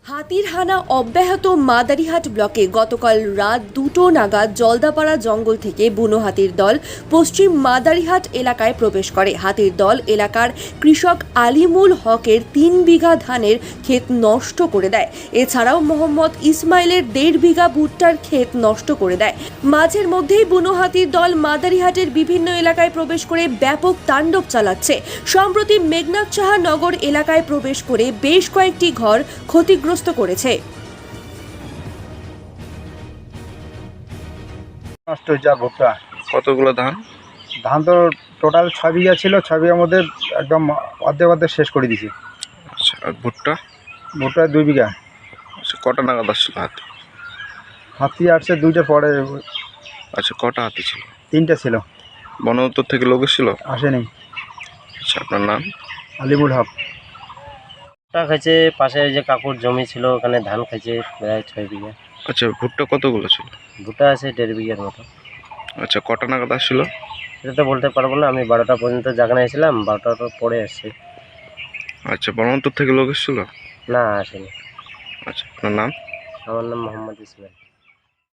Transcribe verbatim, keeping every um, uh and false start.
হাতির হানা অব্যাহত মাদারিহাট ব্লকে গতকাল রাত দুটো নাগাদ জলদাপাড়া জঙ্গল থেকে বুনো হাতির দল পশ্চিম মাদারিহাট এলাকায় প্রবেশ করে। হাতির দল এলাকার কৃষক আলিমুল হকের তিন বিঘা ধানের ক্ষেত নষ্ট করে দেয়। এছাড়াও মোহাম্মদ ইসমাইলের দেড় বিঘা ভুট্টার ক্ষেত নষ্ট করে দেয়। মাঝের মধ্যেই বুনো হাতির দল মাদারিহাটের বিভিন্ন এলাকায় প্রবেশ করে ব্যাপক তাণ্ডব চালাচ্ছে। সম্প্রতি মেঘনাথ সাহা নগর এলাকায় প্রবেশ করে বেশ কয়েকটি ঘর ক্ষতিগ্রস্ত করেছে। নষ্ট হয়েছে। আর ভুট্টা কতগুলো ধান? ধান তো টোটাল ছয় বিঘা ছিল, ছয় বিঘার মধ্যে একদম অর্ধেক অর্ধেক শেষ করে দিয়েছি। আচ্ছা, আর ভুট্টা? ভুট্টা দুই বিঘা। আচ্ছা, কটা নাগাদ আসছিল হাতি? হাতি আসছে দুইটার পরে। আচ্ছা, কটা হাতি ছিল? তিনটা ছিল। বন দপ্তর থেকে লোক এসেছিল? আসেনি। আচ্ছা, আপনার নাম? আলিমুল হক। ভুট্টা খাইছে, পাশে যে কাকুর জমি ছিল ওখানে ধান খাইছে প্রায় ছয় বিঘা। আচ্ছা, ভুট্টা কতগুলো ছিল? ভুট্টা আছে দেড় বিঘার মতো। আচ্ছা, কটা নাগাদ আসছিল? সেটা তো বলতে পারবো না, আমি বারোটা পর্যন্ত জাগানে এসেছিলাম, বারোটার পরে আসছি। আচ্ছা, বন দপ্তর থেকে লোক এসেছিল? না, আসেনি। আচ্ছা, আপনার নাম? আমার নাম মোহাম্মদ ইসমাইল।